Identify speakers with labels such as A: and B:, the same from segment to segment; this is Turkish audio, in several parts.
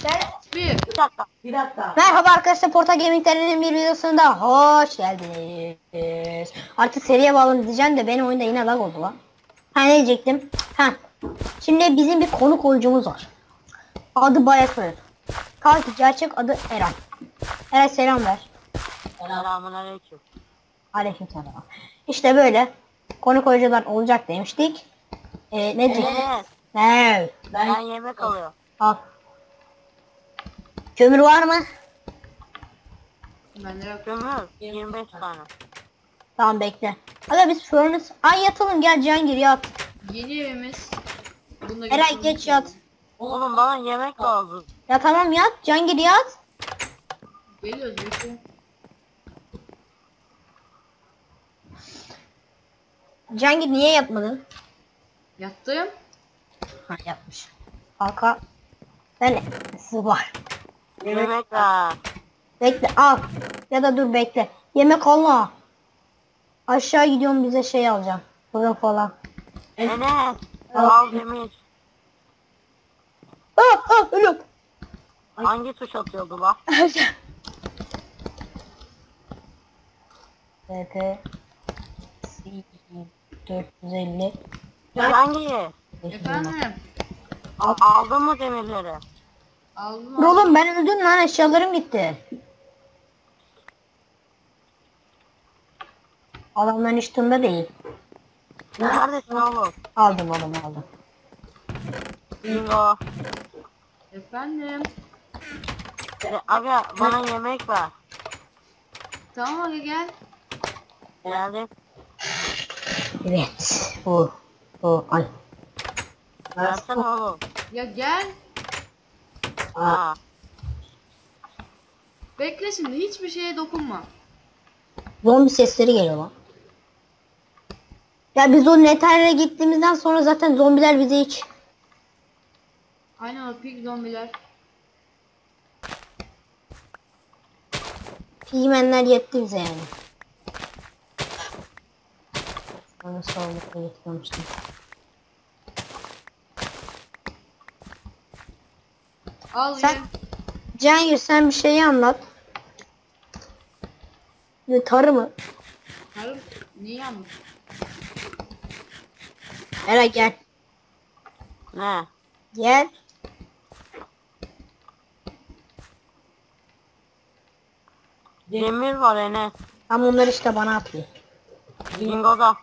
A: Bir.
B: Bir dakika.
C: Merhaba arkadaşlar, Porta Gaming'lerin bir videosunda hoş geldiniz. Artık seriye bağlanın diyeceğim de benim oyunda yine lag oldu lan. Ne diyecektim? Şimdi bizim bir konuk oyuncumuz var. Adı Bayakır. Kalk, gerçek adı Eren. Eren selam ver.
B: Selamünaleyküm.
C: Aleykümselam. İşte böyle konuk oyuncular olacak demiştik. Ne diyecektim?
B: Evet.
C: Ne?
B: Ben yemek alıyorum.
C: Al. Kömür var mı?
A: Ben de yok.
B: Kömür 25 tane.
C: Tamam bekle. Hadi biz furnace. Ay yatalım, gel Cihangir yat.
A: Yeni evimiz. Bunda
C: Eray geç yat.
B: Oğlum bana yemek lazım.
C: Ya tamam yat. Cihangir yat.
A: Geliyoruz bekle.
C: Cihangir niye yatmadın?
A: Yattım.
C: Ha yatmış. Kanka. Ben su var.
B: Yemek ver.
C: Bekle al. Ya da dur bekle. Yemek alma. Aşağı gidiyorum, bize şey alacağım. Fırın falan.
B: Enes. Al demir.
C: Ölüm.
B: Hangi tuş atıyordu la?
C: TP 450.
B: Hangi?
A: Efendim.
B: Aldın mı demirleri?
A: Aldım.
C: Oğlum ben öldüm lan, eşyalarım gitti. Adamların üstünde değil.
B: Neredesin oğlum?
C: Aldım oğlum, aldım.
B: Bingo.
A: Efendim.
B: Aga bana yemek ver.
A: Tamam hadi gel.
B: Geldim.
C: Evet. Bu ay.
B: Versene oğlum.
A: Ya gel.
B: Aa.
A: Bekle şimdi, hiçbir şeye dokunma.
C: Zombi sesleri geliyor lan. Ya biz o Nether'e gittiğimizden sonra zaten zombiler bize hiç.
A: Aynen o pig zombiler.
C: Pigmenler yetti bize yani. Bana sağlıkla getirmiştim.
A: Al
C: Sen-
A: ye.
C: Cihangir sen bir şeyi anlat. Ne tarı mı?
A: Karım niye anladın?
C: Eray gel.
B: Ne?
C: Gel.
B: Demir var Enes.
C: Tam onları işte bana atıyor.
B: Bingo'da.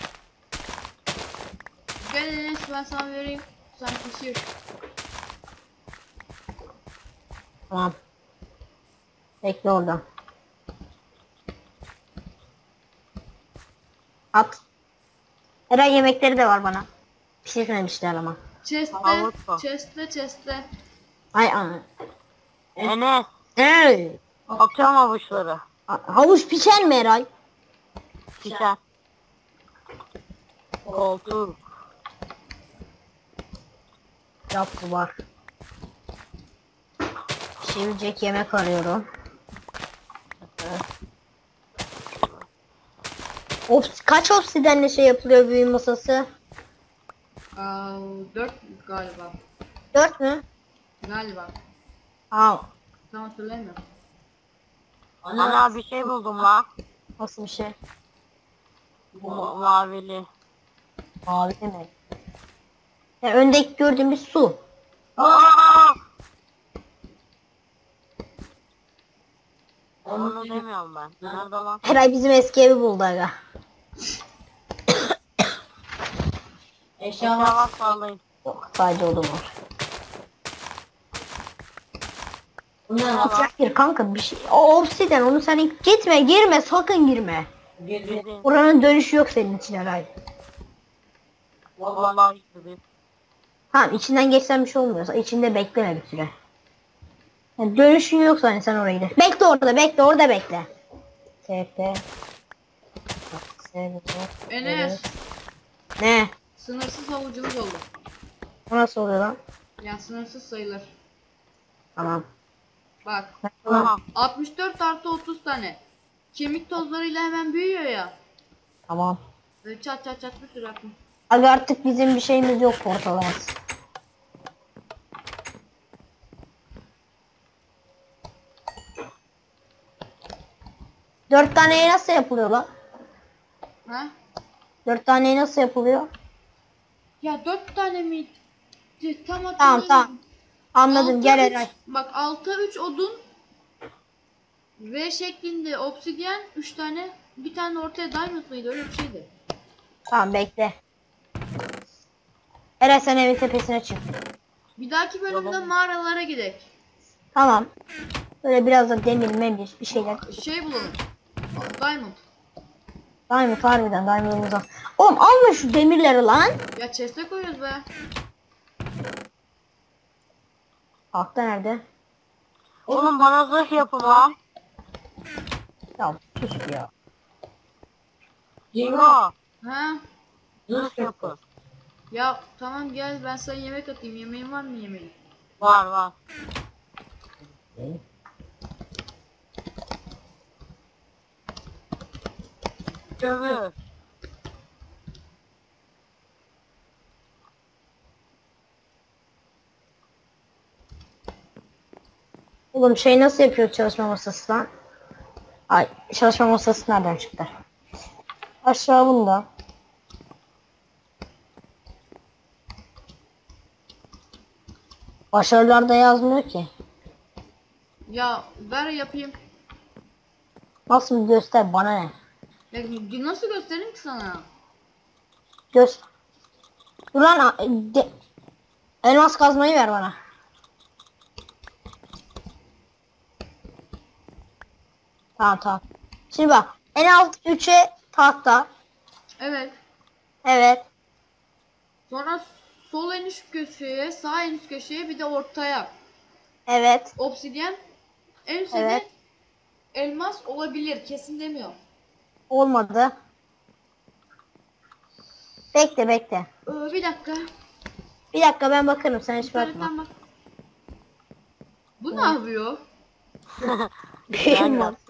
A: Gel Enes, ben sana vereyim. Sen pişir.
C: Tamam. Bekle oradan. At. Eray yemekleri de var bana. Pişirmemişler ama.
A: Chest'te,
B: Havuç var.
A: chest'te.
C: Ay ana.
B: Enes.
C: Ey!
B: Atıyorum avuçları.
C: Havuç pişer mi Eray?
B: Pişer. Koltuk.
C: Yaptı var. Pişirecek yemek arıyorum. Kaç obsidenle şey yapılıyor büyü masası?
A: 4 galiba.
C: 4 mü?
A: Galiba.
C: Aa,
A: Tam hatırlamıyorum.
B: Ana bir şey buldum la.
C: nasıl bir şey?
B: Mavili.
C: Mavi mi? Ya öndeki gördüğümüz su.
B: Aa! Onu demiyorum ben. Nerede lan?
C: Eray bizim eski evi buldu aga.
B: Eşyalar sallayın.
C: Yok, sadece odun var.
B: Bunlar
C: Hayır kanka, bir şey. O obsiden, onu sen gitme, girme, sakın girme.
B: Girdin.
C: Oranın dönüşü yok senin için Eray.
B: Vallahi girdin.
C: Tamam, içinden geçsen bir şey olmuyorsa içinde bekleme bir süre. Yani dönüşün yoksa hani sen oraya gir. Bekle orada, bekle orada, bekle. TP.
A: Enes,
C: Ne?
A: sınırsız havucumuz oldu.
C: O nasıl oluyor lan?
A: Yani sınırsız sayılır.
C: Tamam.
A: Bak,
B: Aha.
A: 64 artı 30 tane. Kemik tozlarıyla hemen büyüyor ya.
C: Tamam.
A: Böyle çat çat çat bir sürü akım.
C: Abi artık bizim bir şeyimiz yok portalamaz. 4 taneye nasıl yapılıyor lan?
A: Ha?
C: 4 taneye nasıl yapılıyor?
A: Ya 4 tane mi? Tam
C: Tamam
A: hatırlamıyorum.
C: tamam. Anladım,
A: Alta
C: gel
A: üç-
C: Eray.
A: Bak alta 3 odun. V şeklinde obsidyen 3 tane. Bir tane ortaya diamond mıydı, öyle bir şeydi.
C: Tamam bekle. Eray sen evin tepesine çık.
A: Bir dahaki bölümde mağaralara gidelim.
C: Tamam. Böyle biraz da demir memir bir şeyler.
A: Şey bulalım. Diamond.
C: Diamond harbiden diamond'ımızdan. Oğlum alma şu demirleri lan.
A: Ya chest'e koyuyoruz be.
C: Altta nerede?
B: Oğlum bana zırh yapın lan.
C: Ya sus ya.
B: Cingo.
A: Ha?
B: Zırh yapın.
A: Ya tamam gel, ben sana yemek atayım. Yemeğin var mı yemeğin?
B: Var var. Kömür.
C: Oğlum şey nasıl yapıyor çalışma masası lan? Ay çalışma masası nereden çıktı? Aşağı bunda. Başarılarda yazmıyor ki.
A: Ya ver yapayım.
C: Nasıl bir göster bana ne?
A: Ya nasıl göstereyim ki sana?
C: Göz. Dur lan elmas kazmayı ver bana. Tamam tamam. Şimdi bak en alt 3'e tahta.
A: Evet.
C: Evet.
A: Sonra sol en üst köşeye, sağ en üst köşeye, bir de ortaya
C: Evet.
A: obsidyen. En üstte
C: Evet.
A: de elmas olabilir. Kesin demiyorum.
C: Olmadı. Bekle bekle.
A: Bir dakika.
C: Bir dakika ben bakarım sen hiç bakma.
A: İnternetten bak. Bu ne yapıyor?
C: Bilmem.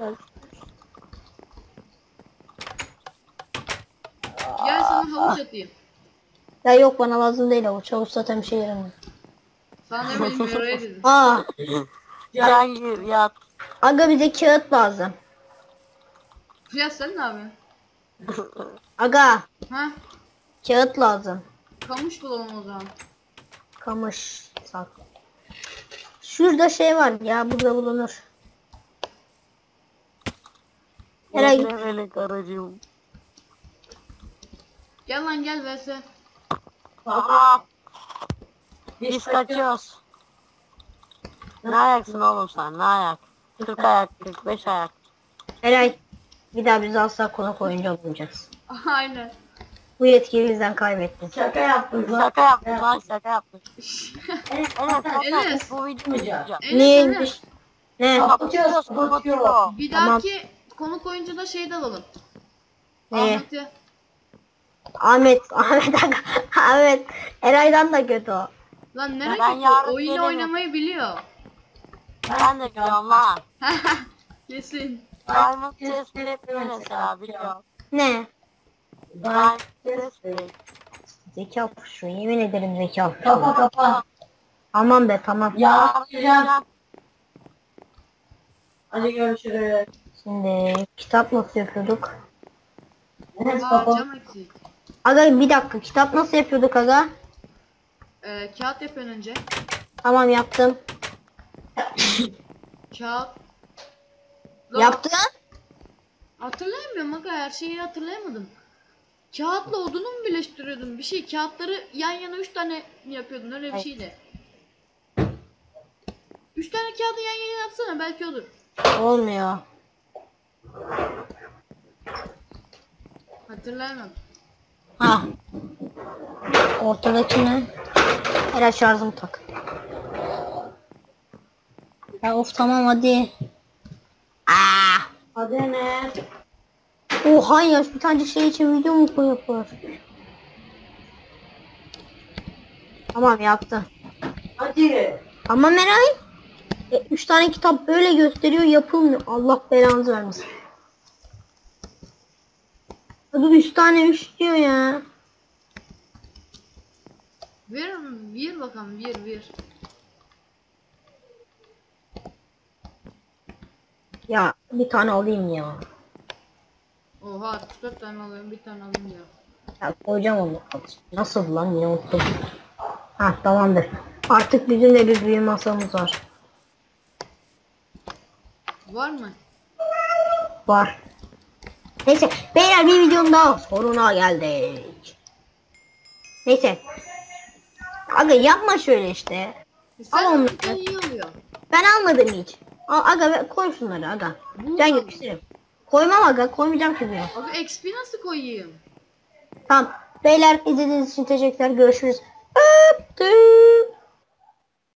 A: Gel sana havuç atayım.
C: Ya yok bana lazım değil o. Çavuş zaten bir şey yaramıyor.
A: Sana ne bileyim oraya dedim.
C: Aa.
B: Cihangir yat.
C: Aga bize kağıt lazım.
A: Ya sen ne yapıyorsun?
C: Aga
A: Ha?
C: kağıt lazım.
A: Kamış bulalım o zaman.
C: Kamış sak. Şurada şey var ya burada bulunur. Eray
B: Ne melek aracım.
A: Gel lan gel vs.
B: Aa. Biz kaçıyoruz. Ne ayaksın oğlum sen? Ne ayak? 40 ayak, 45 ayak.
C: Eray bir daha biz asla konuk oyuncu olmayacağız.
A: Aynen.
C: Bu yetkiyi bizden kaybettin.
B: Şaka yaptın lan şaka yaptın. Evet
A: Enes.
B: bu videoyu izleyeceğim.
C: Neymiş? Ne?
B: Kapatıyoruz.
A: Bir
C: Tamam.
A: dahaki konuk oyuncuda şey de alalım.
C: Ne?
A: Ahmet'i.
C: Ahmet aga. Ahmet. Eray'dan da kötü o.
A: Lan ne
B: Ben
A: kötü,
B: yarın
A: oyunu
B: gelirim.
A: oynamayı biliyor.
B: Ben de biliyorum lan.
A: Kesin.
B: Diamond chest plate mesela biliyorum.
C: Ne?
B: Diamond chest plate.
C: Zeka şu yemin ederim zeka şu. Kapa. Tamam be tamam.
B: Ya.
D: Hadi görüşürüz.
C: Şimdi kitap nasıl yapıyorduk?
A: Cam eksik.
C: Aga bir dakika kitap nasıl yapıyorduk aga?
A: Kağıt yapın önce.
C: Tamam yaptım.
A: Kağıt. Lan,
C: Yaptın?
A: hatırlayamıyorum aga, her şeyi hatırlayamadım. Kağıtla odunu mu birleştiriyordun? Bir şey, kağıtları yan yana 3 tane mi yapıyordun, öyle bir
C: Evet.
A: şeydi. 3 tane kağıdı yan yana yapsana, belki olur.
C: Olmuyor.
A: Hatırlayamadım.
C: Ha. Ortadaki ne? Herhalde şarjımı tak. Ya of tamam hadi. Aa.
D: Hadi ne?
C: Oha ya bir tane şey için video mu koyuyor? Tamam yaptım.
D: Hadi.
C: Ama Meray 3 tane kitap böyle gösteriyor yapılmıyor. Allah belanızı vermesin. Hadi 3 tane 3 diyor ya.
A: Ver bakalım, ver.
C: Ya bir tane alayım ya.
A: Oha 64 tane alıyorum, bir tane alayım ya.
C: Ya koyacağım onu. Nasıl lan, yine unuttum. Ha tamamdır. Artık bizim de bir büyü masamız var.
A: Var mı?
C: Var. Neyse beyler, bir videonun daha sonuna geldik. Neyse. Aga yapma şöyle işte.
A: Sen
C: Al onları.
A: alırsan iyi oluyor.
C: Ben almadım hiç. Aga koy şunları aga.
A: Bu
C: Ben
A: al.
C: yapıştırayım. Koymam aga, koymayacağım ki buraya.
A: Abi XP nasıl koyayım?
C: Tamam. Beyler izlediğiniz için teşekkürler. Görüşürüz. Öptüm.